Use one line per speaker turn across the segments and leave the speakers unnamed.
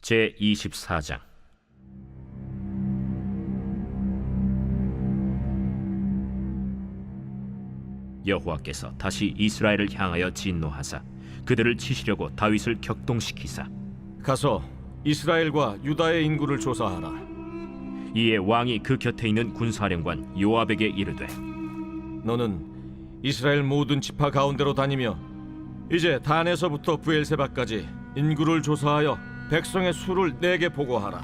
제24장. 여호와께서 다시 이스라엘을 향하여 진노하사 그들을 치시려고 다윗을 격동시키사
가서 이스라엘과 유다의 인구를 조사하라.
이에 왕이 그 곁에 있는 군사령관 요압에게 이르되,
너는 이스라엘 모든 지파 가운데로 다니며 이제 단에서부터 브엘세바까지 인구를 조사하여 백성의 수를 내게 보고하라.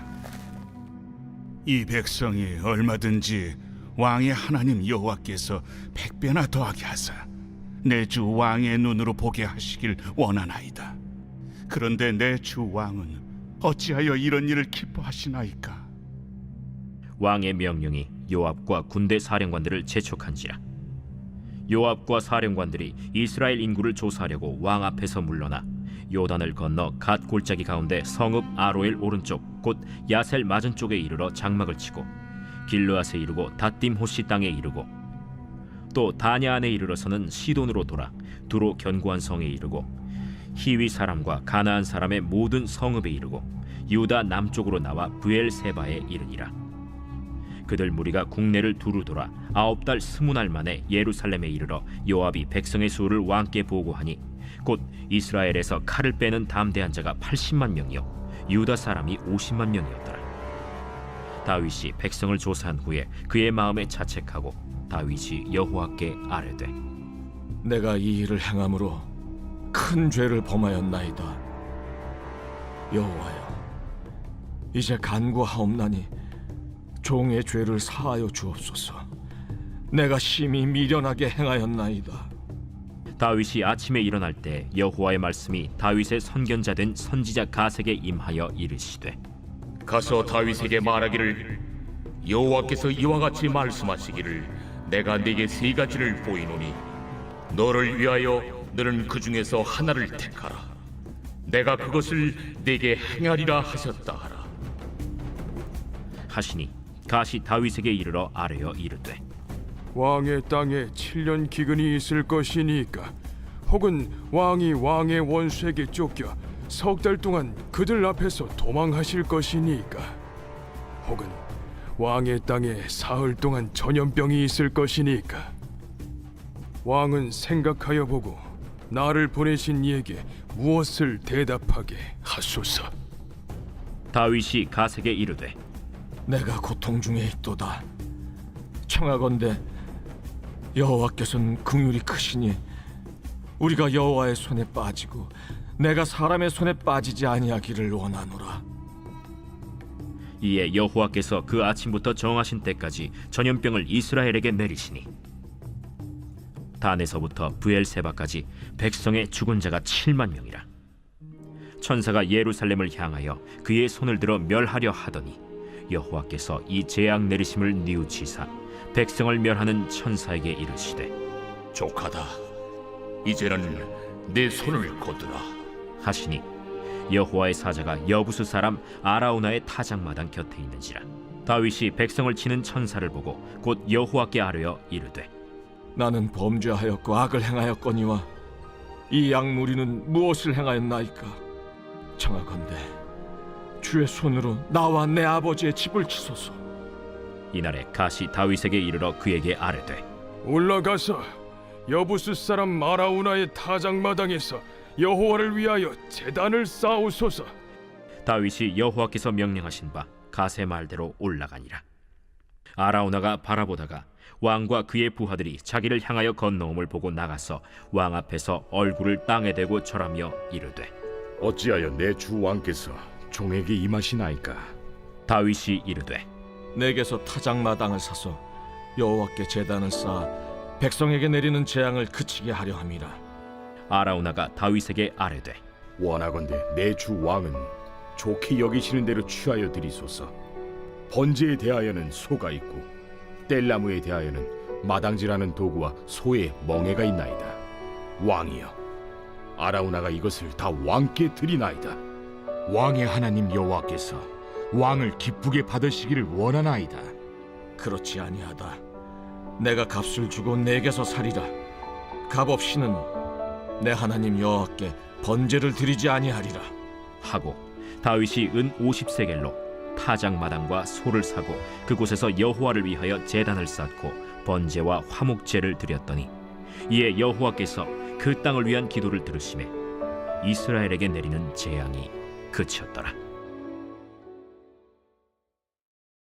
이 백성이 얼마든지 왕의 하나님 여호와께서 100배나 더하게 하사 내 주 왕의 눈으로 보게 하시길 원하나이다. 그런데 내 주 왕은 어찌하여 이런 일을 기뻐하시나이까?
왕의 명령이 요압과 군대 사령관들을 재촉한지라. 요압과 사령관들이 이스라엘 인구를 조사하려고 왕 앞에서 물러나 요단을 건너 갓 골짜기 가운데 성읍 아로엘 오른쪽 곧 야셀 맞은 쪽에 이르러 장막을 치고 길르앗에 이르고 닷딤 호시 땅에 이르고 또 다냐 안에 이르러서는 시돈으로 돌아 두로 견고한 성에 이르고 히위 사람과 가나안 사람의 모든 성읍에 이르고 유다 남쪽으로 나와 브엘세바에 이르니라. 그들 무리가 국내를 두루 돌아 9달 20날 만에 예루살렘에 이르러 요압이 백성의 수를 왕께 보고하니 곧 이스라엘에서 칼을 빼는 담대한 자가 80만 명이요 유다 사람이 50만 명이었더라. 다윗이 백성을 조사한 후에 그의 마음에 자책하고 다윗이 여호와께 아뢰되,
내가 이 일을 행함으로 큰 죄를 범하였나이다. 여호와여, 이제 간구하옵나니 종의 죄를 사하여 주옵소서. 내가 심히 미련하게 행하였나이다.
다윗이 아침에 일어날 때 여호와의 말씀이 다윗의 선견자 된 선지자 가색에 임하여 이르시되,
가서 다윗에게 말하기를 여호와께서 이와 같이 말씀하시기를 내가 네게 세 가지를 보이노니 너를 위하여 너는 그 중에서 하나를 택하라. 내가 그것을 네게 행하리라 하셨다 하라.
하시니 가시 다윗에게 이르러 아뢰어 이르되,
왕의 땅에 7년 기근이 있을 것이니까 혹은 왕이 왕의 원수에게 쫓겨 석 달 동안 그들 앞에서 도망하실 것이니까 혹은 왕의 땅에 사흘 동안 전염병이 있을 것이니까 왕은 생각하여 보고 나를 보내신 이에게 무엇을 대답하게 하소서.
다윗이 가색에 이르되,
내가 고통 중에 있도다. 청하건대 여호와께서는 긍휼이 크시니 우리가 여호와의 손에 빠지고 내가 사람의 손에 빠지지 아니하기를 원하노라.
이에 여호와께서 그 아침부터 정하신 때까지 전염병을 이스라엘에게 내리시니 단에서부터 브엘세바까지 백성의 죽은 자가 7만 명이라. 천사가 예루살렘을 향하여 그의 손을 들어 멸하려 하더니 여호와께서 이 재앙 내리심을 뉘우치사 백성을 멸하는 천사에게 이르시되,
족하다. 이제는 내 손을 거두라
하시니 여호와의 사자가 여부수 사람 아라우나의 타작마당 곁에 있는지라. 다윗이 백성을 치는 천사를 보고 곧 여호와께 아뢰어 이르되,
나는 범죄하였고 악을 행하였거니와 이 양무리는 무엇을 행하였나이까? 청하건대 주의 손으로 나와 내 아버지의 집을 치소서.
이날에 가시 다윗에게 이르러 그에게 아뢰되,
올라가서 여부스 사람 마라우나의 타작마당에서 여호와를 위하여 제단을 쌓으소서.
다윗이 여호와께서 명령하신 바 가세 말대로 올라가니라. 아라우나가 바라보다가 왕과 그의 부하들이 자기를 향하여 건너옴을 보고 나가서 왕 앞에서 얼굴을 땅에 대고 절하며 이르되,
어찌하여 내 주 왕께서 종에게 임하시나이까?
다윗이 이르되,
내게서 타작마당을 사서 여호와께 제단을 쌓아 백성에게 내리는 재앙을 그치게 하려 함이라.
아라우나가 다윗에게 아뢰되,
원하건대 내 주 왕은 좋게 여기시는 대로 취하여 드리소서. 번제에 대하여는 소가 있고 뗄나무에 대하여는 마당질하는 도구와 소의 멍에가 있나이다. 왕이여, 아라우나가 이것을 다 왕께 드리나이다. 왕의 하나님 여호와께서 왕을 기쁘게 받으시기를 원하나이다.
그렇지 아니하다. 내가 값을 주고 내게서 살이라. 값 없이는 내 하나님 여호와께 번제를 드리지 아니하리라.
하고 다윗이 은 50세겔로 타작마당과 소를 사고 그곳에서 여호와를 위하여 제단을 쌓고 번제와 화목제를 드렸더니 이에 여호와께서 그 땅을 위한 기도를 들으시매 이스라엘에게 내리는 재앙이 그쳤더라.